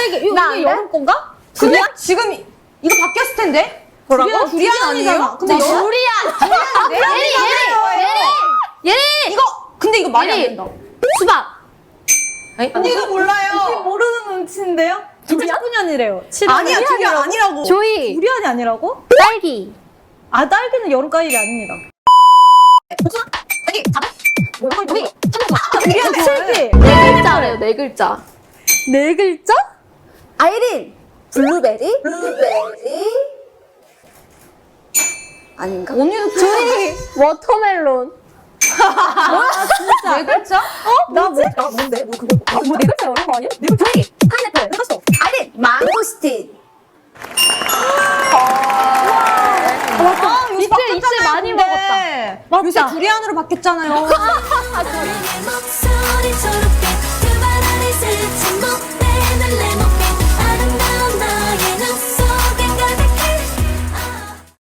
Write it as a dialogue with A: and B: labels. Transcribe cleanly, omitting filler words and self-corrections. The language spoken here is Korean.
A: 이게 여름 건가?
B: 근데 지금 이거 바뀌었을 텐데?
A: 뭐라고?
B: 두리안 아니에요? 근데
A: 두리안.
C: 예리!
B: 근데 이거 말이 안
C: 예리.
B: 된다.
C: 수박!
B: 언니도 몰라요.
A: 모르는 눈치인데요? 19년이래요.
B: 아니야, 두리안 아니라고.
C: 조이!
A: 두리안이 아니라고?
C: 딸기!
A: 아, 딸기는 여름 과일이 아닙니다.
B: 두리안 좋아해.
A: 실비!
C: 네 글자래요, 네 글자.
A: 네 글자?
D: 아이린 블루베리? 아닌가?
B: 언니도
C: 조이! 워터멜론.
B: 네 글자?
A: 나 뭐?
D: 뭔데? 네 글자 어려운 거 아니야? 조이 파인애플 했어. 아이린 망고스틴.
B: 요새
C: 이틀 많이 먹었다.
B: 요새
A: 맞다.
B: 두리안으로 바뀌었잖아요.